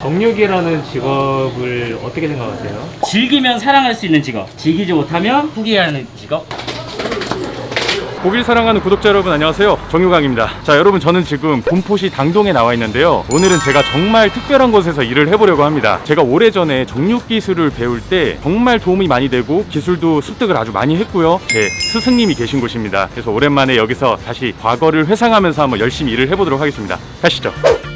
정육이라는 직업을 어떻게 생각하세요? 즐기면 사랑할 수 있는 직업, 즐기지 못하면 포기하는 직업. 고기를 사랑하는 구독자 여러분 안녕하세요, 정유강입니다. 자, 여러분, 저는 지금 군포시 당동에 나와 있는데요, 오늘은 제가 정말 특별한 곳에서 일을 해보려고 합니다. 제가 오래전에 정육 기술을 배울 때 정말 도움이 많이 되고 기술도 습득을 아주 많이 했고요, 제 스승님이 계신 곳입니다. 그래서 오랜만에 여기서 다시 과거를 회상하면서 한번 열심히 일을 해보도록 하겠습니다. 가시죠.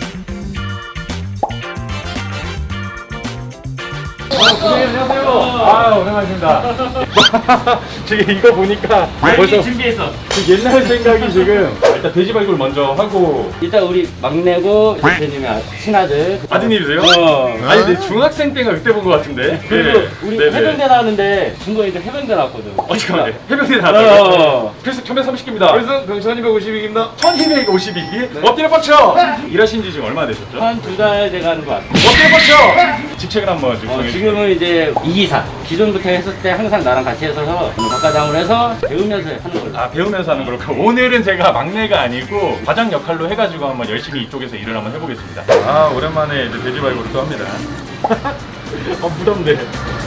안녕하세요. 오랜만입니다. 지금 이거 보니까 벌써 준비했어. 그 옛날 생각이 지금, 일단 돼지 발굴 먼저 하고. 일단 우리 막내고 대표님의 친아들. 아드님이세요? 아니, 근데 중학생 때가 그때 본 것 같은데. 그리고 네. 우리 네네. 해병대 나왔는데 중고이들 해병대 나왔거든. 잠깐만요. 해병대 나왔다고요? 어. 필수 1130입니다. 그래서 병 1252입니다. 1252기? 엎드려 뻗쳐! 일하신 지 지금 얼마나 되셨죠? 한 2달 돼가는 것 같아. 엎드려 뻗쳐! 직책을 한번 지금 정해주세요. 지금은 이제 이기사. 기존부터 했을 때 항상 나랑 같이 했어서 박과장으로 해서 배우면서 하는 걸로. 아, 배우면서 하는 거로. 오늘은 제가 막내가 아니고 과장 역할로 해가지고 한번 열심히 이쪽에서 일을 한번 해보겠습니다. 아, 오랜만에 이제 돼지 발굴을 또 합니다. 무섭네.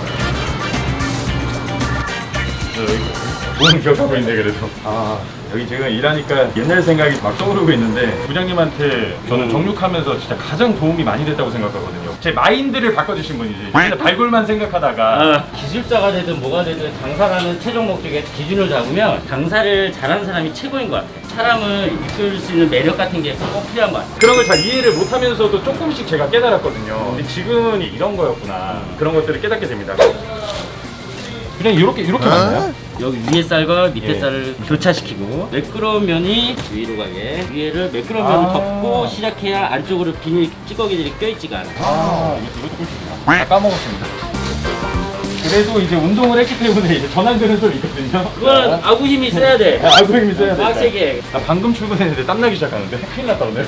몸은 기억하고 있네, 그래도. 아, 여기 지금 일하니까 옛날 생각이 막 떠오르고 있는데, 부장님한테 저는 정육하면서 진짜 가장 도움이 많이 됐다고 생각하거든요. 제 마인드를 바꿔주신 분이지. 맨날 발굴만 생각하다가. 기술자가 되든 뭐가 되든 장사라는 최종 목적에 기준을 잡으면 장사를 잘하는 사람이 최고인 것 같아. 사람을 이끌 수 있는 매력 같은 게 꼭 필요한 것 같아. 그런 걸 잘 이해를 못하면서도 조금씩 제가 깨달았거든요. 근데 지금은 이런 거였구나. 그런 것들을 깨닫게 됩니다. 그냥 이렇게 맞나요? 여기 위에 쌀과 밑에 예. 쌀을 교차시키고 매끄러운 면이 위로 가게 위에를 매끄러운 면을 덮고 시작해야 안쪽으로 비닐 찌꺼기들이 껴있지가 않아. 이것도 꿀팁이다. 다 까먹었습니다. 그래도 이제 운동을 했기 때문에 이제 전환되는 좀 있거든요. 그건 아구 힘이 있어야 돼. 알고리즘이 써야 돼. 빡세게. 나 방금 출근했는데 땀나기 시작하는데 큰일 났다 오늘.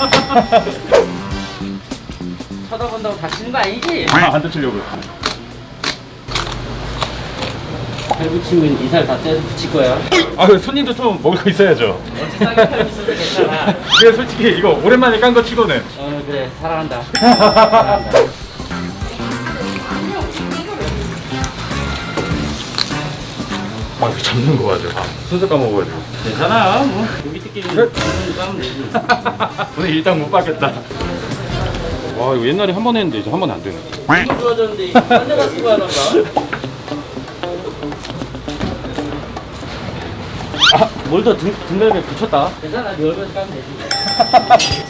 쳐다본다고 다치는 거 아니지? 안 다치려고요. 살 붙이면 이살 다 떼서 붙일 거야. 아, 그 손님도 좀 먹을 거 있어야죠. 어찌 싸게 팔 있어도 괜찮아. 근데 솔직히 이거 오랜만에 깐 거 치고는. 그래 사랑한다. 사랑한다. 아, 이거 잡는 거 맞아. 순서 까먹어가지고. 괜찮아. 뭐 여기 뜯기는 까면 되지. 오늘 일당 못 받겠다. 와, 이거 옛날에 한 번 했는데 이제 한 번 안 되네. 너무 좋아졌는데 이거 딴 데다 쓰고 하던가. 뭘 더 등갈비에 붙였다. 괜찮아, 네 얼굴에서 까면 되지.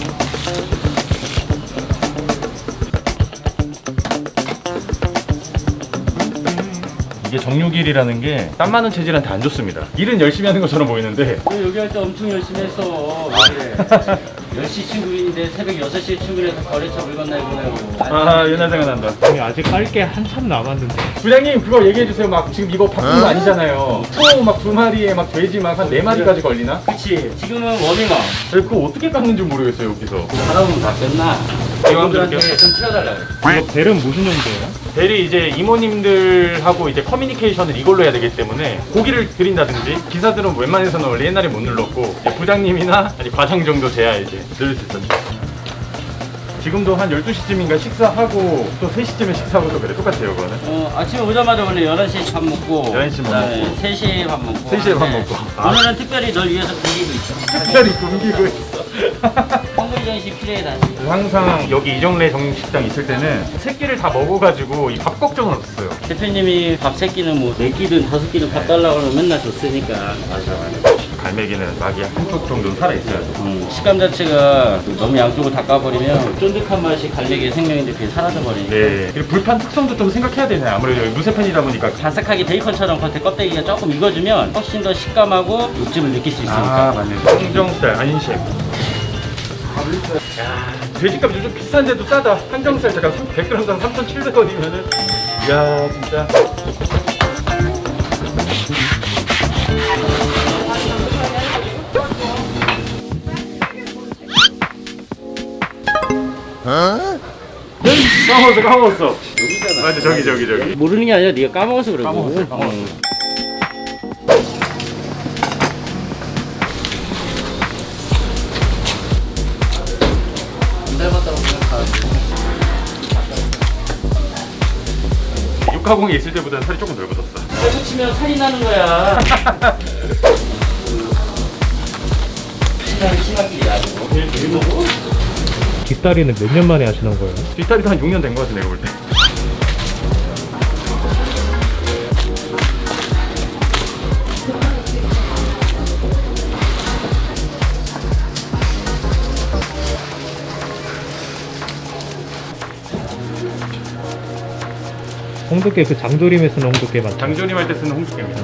이게 정육일이라는 게 땀 많은 체질한테 안 좋습니다. 일은 열심히 하는 것처럼 보이는데. 너 여기 할 때 엄청 열심히 했어. 그래. 10시 출근인데 새벽 6시에 출근해서 거래처 물건 내고 보내고. 아, 옛날 생각난다. 아니, 아직 깔 게 한참 남았는데. 부장님, 그거 얘기해주세요. 막 지금 이거 바쁜 거 아니잖아요. 소 막 2마리에 막 돼지 막 한 4마리까지 걸리나? 그치. 지금은 워밍업. 그거 어떻게 깎는지 모르겠어요, 여기서. 하다 보면 다 끝나. 이왕들한테 이분들한테 좀 튀어달라 그래. 이거 벨은 무슨 용도예요? 대리 이제 이모님들하고 이제 커뮤니케이션을 이걸로 해야 되기 때문에 고기를 드린다든지, 기사들은 웬만해서는 원래 옛날에 못 눌렀고, 이제 부장님이나 아니 과장 정도 돼야 이제 늘릴 수 있었죠. 지금도 한 12시쯤인가 식사하고 또 3시쯤에 식사하고 또 그래. 똑같아요, 그거는. 아침에 오자마자 원래 11시에 밥 먹고 11시 밥 그다음에 먹고 3시에 밥 먹고 3시에 밥 하는데 먹고. 오늘은 특별히 널 위해서 굶기고 있어. 특별히 굶기고 있어. 헝그리 정신 필요해 다시. 항상 여기 이정래 정식당 있을 때는 세 끼를 다 먹어가지고 이 밥 걱정은 없었어요. 대표님이 밥 3끼는 뭐 4끼든 5끼든 밥 달라고 하면 맨날 줬으니까. 맞아. 갈매기는 막이 한쪽 정도는 살아있어야죠. 식감 자체가 너무 양쪽을 다 까버리면 쫀득한 맛이 갈매기의 생명인데 그게 사라져버리니까. 네. 그리고 불판 특성도 좀 생각해야 되잖아요. 아무래도 여기 무쇠판이다 보니까. 바삭하게 베이컨처럼 겉에 껍데기가 조금 익어주면 훨씬 더 식감하고 육즙을 느낄 수 있으니까. 아, 맞네. 항정살 안심. 야, 돼지값 요즘 비싼데도 싸다. 항정살 잠깐 100g당 3,700원이면은. 이야, 진짜. 까먹었어. 여기잖아. 맞아, 저기. 모르는 게 아니라 네가 까먹어서 그러고. 까먹었어. 안 닮았다고 생각하는데. 육가공에 있을 때보다는 살이 조금 덜 붙었어. 살 붙이면 살이 나는 거야. 심하게 아니고. 뒷다리는 몇 년 만에 하시는 거예요? 뒷다리도 한 6년 된 거 같아 내가 볼 때. 홍두깨 그 장조림에 쓰는 홍두깨 맞죠? 장조림 할 때 쓰는 홍두깨입니다.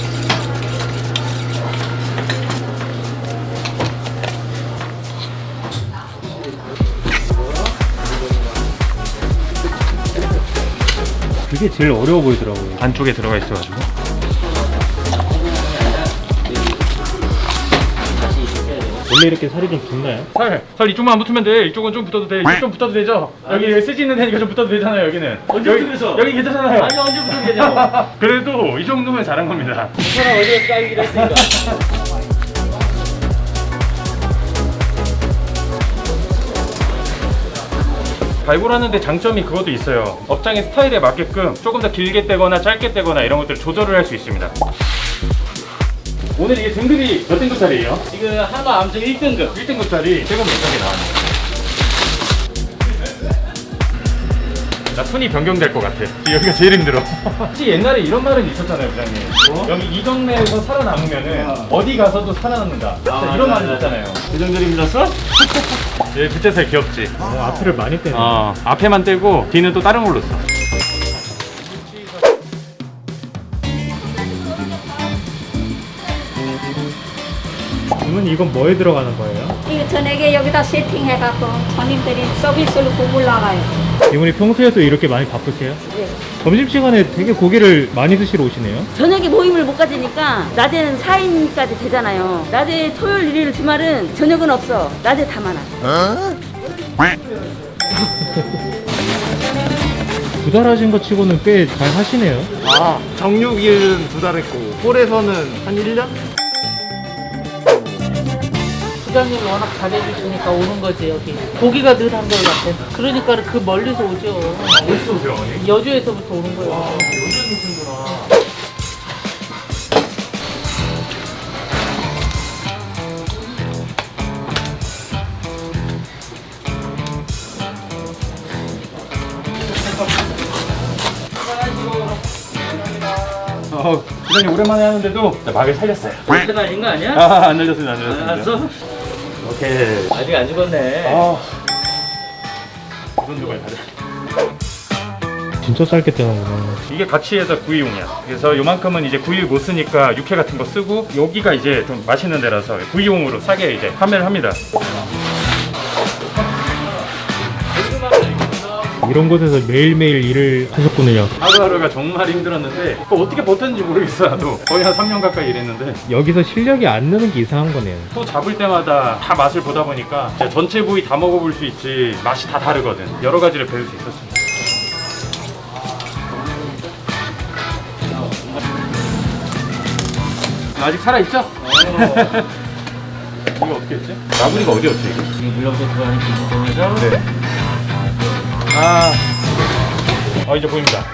그게 제일 어려워 보이더라고요. 안쪽에 들어가 있어가지고. 원래 이렇게 살이 좀 붙나요? 살 이쪽만 안 붙으면 돼. 이쪽은 좀 붙어도 돼. 이쪽 좀 붙어도 되죠? 여기 쓰지 있는 데니까 좀 붙어도 되잖아요. 여기는. 언제부터 그랬어? 여기 괜찮잖아요. 아니 언제부터 되냐고. 그래도 이 정도면 잘한 겁니다. 사람 어디에 까이기로 했으니까. 발굴하는데 장점이 그것도 있어요. 업장의 스타일에 맞게끔 조금 더 길게 떼거나 짧게 떼거나 이런 것들 조절을 할 수 있습니다. 오늘 이게 등급이 몇 등급짜리예요? 지금 한우 암수 1등급. 1등급짜리 최고 몇 장이 나왔네요. 나 손이 변경될 것 같아. 여기가 제일 힘들어. 혹시 옛날에 이런 말은 있었잖아요, 부장님. 여기 이 동네에서 살아남으면은 어디 가서도 살아남는다. 이런 말이 있잖아요. 부정절이 밀었어? 얘 뒷대살 귀엽지? 앞을 많이 떼네. 앞에만 떼고 뒤는 또 다른 걸로 써. 그러면 이건 뭐에 들어가는 거예요? 이거 저녁에 여기다 세팅해갖고 손님들이 서비스로 고불 나가요. 이분이 평소에도 이렇게 많이 바쁘세요? 네. 점심시간에 되게 고기를 많이 드시러 오시네요? 저녁에 모임을 못 가지니까 낮에는 4인까지 되잖아요. 낮에 토요일, 일요일, 주말은 저녁은 없어. 낮에 다 많아. 두 달 하신 거 치고는 꽤 잘 하시네요. 정육일은 2달 했고 홀에서는 한 1년? 부장님이 워낙 잘해주시니까 오는 거지 여기. 고기가 늘 한결 같아. 그러니까 그 멀리서 오죠. 어디서 오세요, 어머니? 여주에서부터 오는 거예요. 여기에서 오시는구나. 부장님 오랜만에 하는데도 막을 살렸어요. 그때 날린 거 아니야? 안 날렸습니다, 안 날렸습니다. 알았어? 오케이. 아직 안 죽었네. 이런 두발 가자. 진짜 짧게 떼는구나. 이게 같이 해서 구이용이야. 그래서 요만큼은 이제 구이 못 쓰니까 육회 같은 거 쓰고 여기가 이제 좀 맛있는 데라서 구이용으로 싸게 이제 판매를 합니다. 이런 곳에서 매일매일 일을 하셨군요. 하루하루가 정말 힘들었는데 그거 어떻게 버텼는지 모르겠어. 나도 거의 한 3년 가까이 일했는데 여기서 실력이 안 느는 게 이상한 거네요. 또 잡을 때마다 다 맛을 보다 보니까 진짜 전체 부위 다 먹어볼 수 있지 맛이 다 다르거든. 여러 가지를 배울 수 있었습니다. 아직 살아있죠? 이거 어떻게 했지? 마무리가 어디였지 이거? 지금 물렁도 들어가는 기준점에서 네. 이제 보입니다.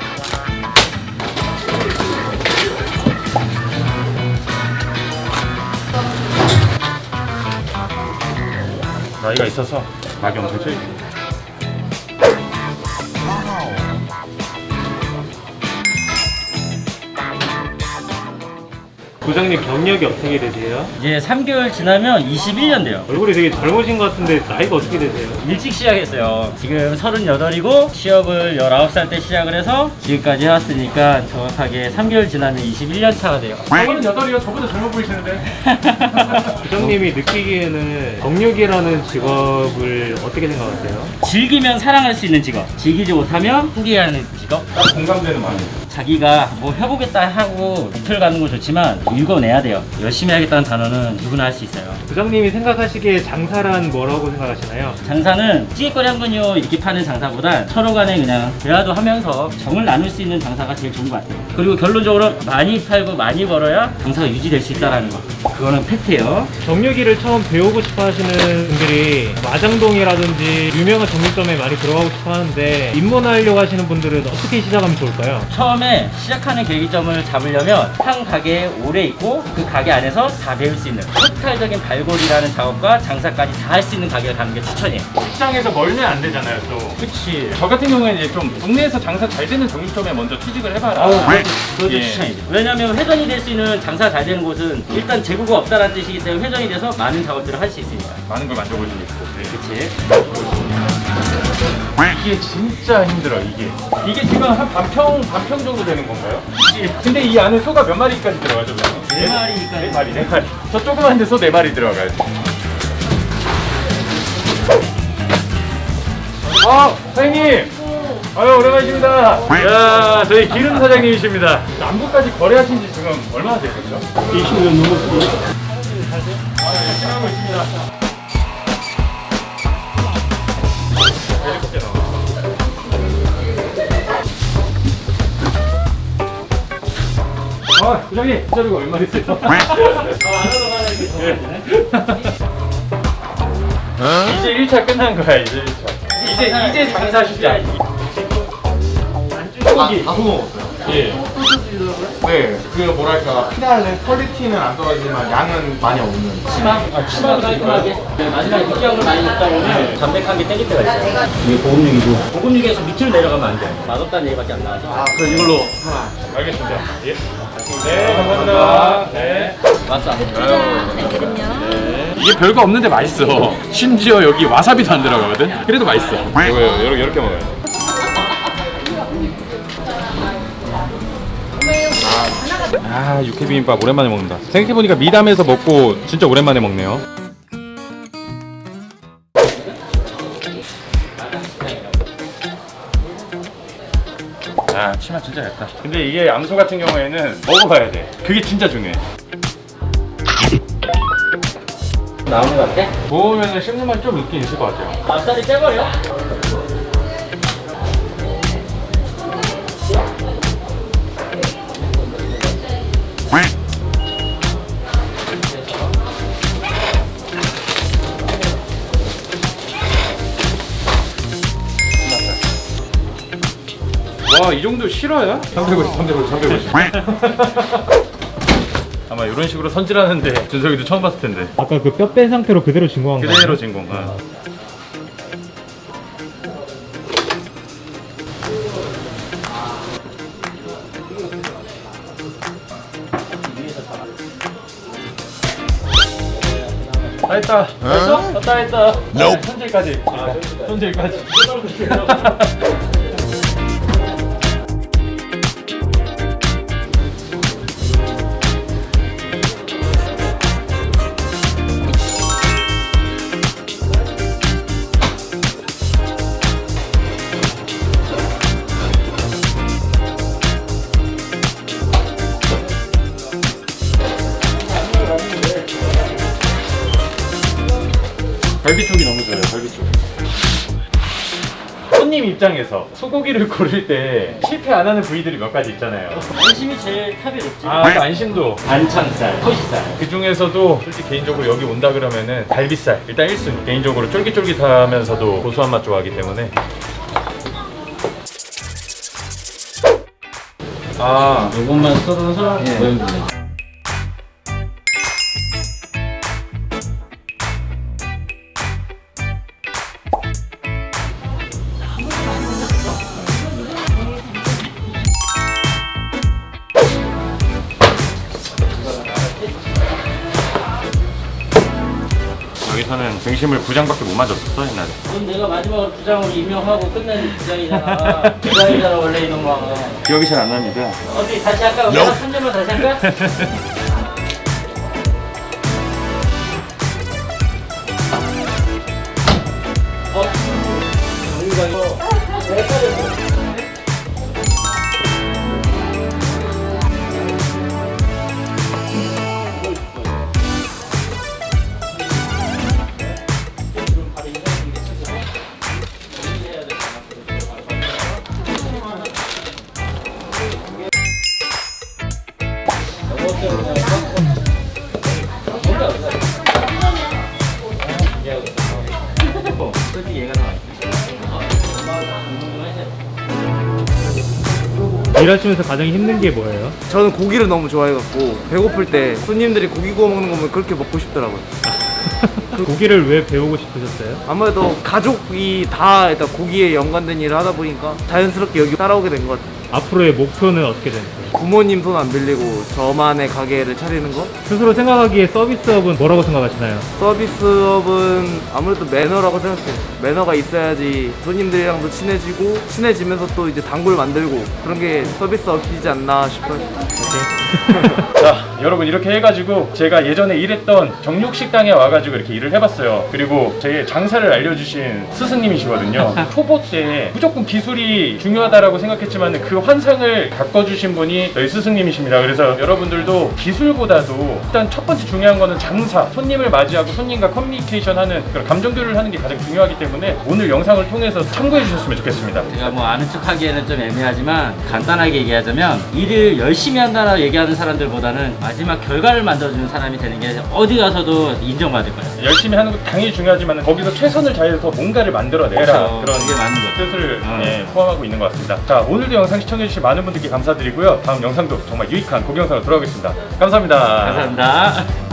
나이가 있어서 막이 엄청 쳐있고. 부장님 경력이 어떻게 되세요? 이제 3개월 지나면 21년 돼요. 얼굴이 되게 젊으신 것 같은데 나이가 어떻게 되세요? 일찍 시작했어요. 지금 38이고 시업을 19살 때 시작을 해서 지금까지 해왔으니까 정확하게 3개월 지나면 21년 차가 돼요. 저번은 8이요. 저보다 젊어 보이시는데. 부장님이 느끼기에는 정육이라는 직업을 어떻게 생각하세요? 즐기면 사랑할 수 있는 직업, 즐기지 못하면 포기하는 직업. 딱 공감되는 마음. 자기가 뭐 해보겠다 하고 목표를 가는 건 좋지만 읽어내야 돼요. 열심히 하겠다는 단어는 누구나 할 수 있어요. 부장님이 생각하시기에 장사란 뭐라고 생각하시나요? 장사는 찌개거리 한 근요 이렇게 파는 장사보다 서로 간에 그냥 대화도 하면서 정을 나눌 수 있는 장사가 제일 좋은 것 같아요. 그리고 결론적으로 많이 팔고 많이 벌어야 장사가 유지될 수 있다는 거. 그거는 팩트예요. 정육이를 처음 배우고 싶어 하시는 분들이 마장동이라든지 유명한 정육점에 많이 들어가고 싶어 하는데 입문하려고 하시는 분들은 어떻게 시작하면 좋을까요? 처음에 시작하는 계기점을 잡으려면 한 가게에 오래 있고 그 가게 안에서 다 배울 수 있는 토탈적인 발골이라는 작업과 장사까지 다 할 수 있는 가게를 가는 게 추천이에요. 직장에서 멀면 안 되잖아요 또. 그치. 저 같은 경우에는 이제 좀 동네에서 장사 잘 되는 정육점에 먼저 취직을 해봐라. 그것도 예. 추천이죠. 왜냐면 회전이 될 수 있는 장사 잘 되는 곳은 일단 재고가 없다는 뜻이기 때문에 회전이 돼서 많은 작업들을 할 수 있으니까. 많은 걸 만져볼 수 있고. 네. 그치. 이게 진짜 힘들어 이게 지금 한 반평 정도 되는 건가요? 근데 이 안에 소가 몇 마리까지 들어가죠? 네 마리니까. 네 마리. 저 조그만 데서 4마리 들어가요. 사장님! 아유, 오랜만이십니다. 야, 저희 기름 사장님이십니다. 남부까지 거래하신 지 지금 얼마나 되셨죠? 20년 넘었어요. 열심히 하고 있습니다. 부장님, 자리가 얼마 있어요? 안 하던 하는 게 좋아지네. 이제 1차 끝난 거야, 이제 1차. 이제 장사 시작. 다 먹었어요. 예. 네, 그 뭐랄까 피날레 퀄리티는 안 떨어지지만 양은 많이 없는. 치마 깔끔하게. 마지막에 느끼한 걸 많이 먹다 보면 담백한 게 땡길 때가 있어요. 이게 고급육이고. 고급육에서 밑으로 내려가면 안 돼. 맛없다는 얘기밖에 안 나와서. 그럼 이걸로 하나. 알겠습니다. 예. 네, 감사합니다. 네. 맞아. 이게 별거 없는데 맛있어. 심지어 여기 와사비도 안 들어가거든. 그래도 맛있어. 이거 이렇게 먹어요. 육회 비빔밥 오랜만에 먹는다. 생각해보니까 미담에서 먹고 진짜 오랜만에 먹네요. 치마 진짜 얇다. 근데 이게 암소 같은 경우에는 먹어봐야 돼. 그게 진짜 중요해. 나오는 것 같아? 구우면은 씹는 맛이 좀 있긴 있을 것 같아요. 앞다리 빼버려. 와, 이 정도 실화야? 350. 아마 이런 식으로 손질하는데 준석이도 처음 봤을 텐데. 아까 그 뼈 뺀 상태로 그대로 진공한 거예요? 그대로 진공. 다 했다. 했어? 다 했다. 손질까지. 손질까지. 갈비 쪽이 너무 좋아요. 갈비 쪽. 손님 입장에서 소고기를 고를 때 실패 안 하는 부위들이 몇 가지 있잖아요. 안심이 제일 탑이 높지. 그 안심도. 반창살, 토시살. 그 중에서도 솔직히 개인적으로 여기 온다 그러면은 갈비살 일단 1순위. 개인적으로 쫄깃쫄깃하면서도 고소한 맛 좋아하기 때문에. 요것만 썰어서 모양 주네. 여기서는 등심을 9장밖에 못 맞았었어 옛날에. 그럼 내가 마지막으로 부장으로 임명하고 끝낸 부장이잖아. 부장이잖아 원래 이놈아. 기억이 잘 안 납니다. 어디 다시 할까? 내가 3년만 다시 할까? 정유가 이거 헷갈렸어. 일하시면서 가장 힘든 게 뭐예요? 저는 고기를 너무 좋아해갖고 배고플 때 손님들이 고기 구워 먹는 거 보면 그렇게 먹고 싶더라고요. 고기를 왜 배우고 싶으셨어요? 아무래도 가족이 다 일단 고기에 연관된 일을 하다 보니까 자연스럽게 여기 따라오게 된 것 같아요. 앞으로의 목표는 어떻게 되나요? 부모님 손 안 빌리고 저만의 가게를 차리는 거? 스스로 생각하기에 서비스업은 뭐라고 생각하시나요? 서비스업은 아무래도 매너라고 생각해요. 매너가 있어야지 손님들이랑도 친해지고 친해지면서 또 이제 단골 만들고 그런 게 서비스업이지 않나 싶어요. 자, 여러분 이렇게 해가지고 제가 예전에 일했던 정육식당에 와가지고 이렇게 일을 해봤어요. 그리고 제 장사를 알려주신 스승님이시거든요. 초보 때 무조건 기술이 중요하다라고 생각했지만 그 환상을 바꿔주신 분이 저희 스승님이십니다. 그래서 여러분들도 기술보다도 일단 첫 번째 중요한 거는 장사, 손님을 맞이하고 손님과 커뮤니케이션하는 그런 감정교류를 하는 게 가장 중요하기 때문에 오늘 영상을 통해서 참고해 주셨으면 좋겠습니다. 제가 뭐 아는 척 하기에는 좀 애매하지만 간단하게 얘기하자면 일을 열심히 한다라고 얘기하는 사람들보다는 마지막 결과를 만들어주는 사람이 되는 게 어디 가서도 인정받을 거예요. 열심히 하는 것도 당연히 중요하지만 거기서 최선을 다해서 뭔가를 만들어내라, 그렇죠. 그런 그게 맞는 거죠. 뜻을 포함하고 있는 것 같습니다. 자, 오늘도 영상 시청해주신 많은 분들께 감사드리고요. 다음 영상도 정말 유익한 고기 영상으로 돌아오겠습니다. 감사합니다. 감사합니다.